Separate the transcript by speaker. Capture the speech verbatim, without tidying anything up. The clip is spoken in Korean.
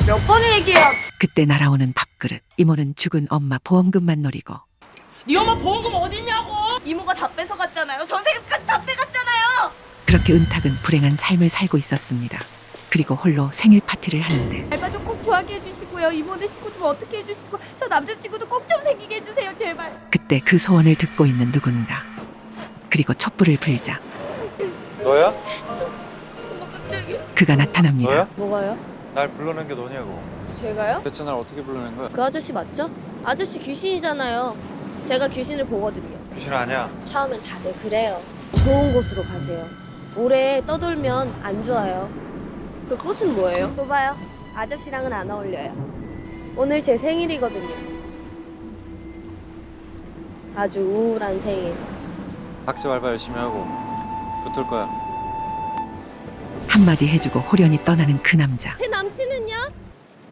Speaker 1: 몇 번을 얘기해야.
Speaker 2: 그때 날아오는 밥그릇. 이모는 죽은 엄마 보험금만 노리고
Speaker 1: 네 엄마 보험금 어딨냐고. 이모가 다 뺏어갔잖아요. 전세금까지 다 빼갔잖아요.
Speaker 2: 그렇게 은탁은 불행한 삶을 살고 있었습니다. 그리고 홀로 생일 파티를 하는데
Speaker 1: 알바 좀 꼭 구하게 해주시고요. 이모네 친구 좀 어떻게 해주시고 저 남자친구도 꼭 좀 생기게 해주세요. 제발.
Speaker 2: 그때 그 소원을 듣고 있는 누군가. 그리고 촛불을 불자
Speaker 3: 너야?
Speaker 1: 엄마 깜짝이야.
Speaker 2: 그가 나타납니다.
Speaker 3: 너야?
Speaker 4: 뭐가요?
Speaker 3: 날 불러낸 게 너냐고.
Speaker 4: 제가요?
Speaker 3: 대체 날 어떻게 불러낸 거야?
Speaker 4: 그 아저씨 맞죠? 아저씨 귀신이잖아요. 제가 귀신을 보거든요.
Speaker 3: 귀신 아니야.
Speaker 4: 처음엔 다들 그래요. 좋은 곳으로 가세요. 오래 떠돌면 안 좋아요. 그 꽃은 뭐예요? 봐봐요. 아저씨랑은 안 어울려요. 오늘 제 생일이거든요. 아주 우울한 생일.
Speaker 3: 학습 알바 열심히 하고 붙을 거야.
Speaker 2: 한마디 해주고 호련히 떠나는 그 남자.
Speaker 4: 제 남친은요?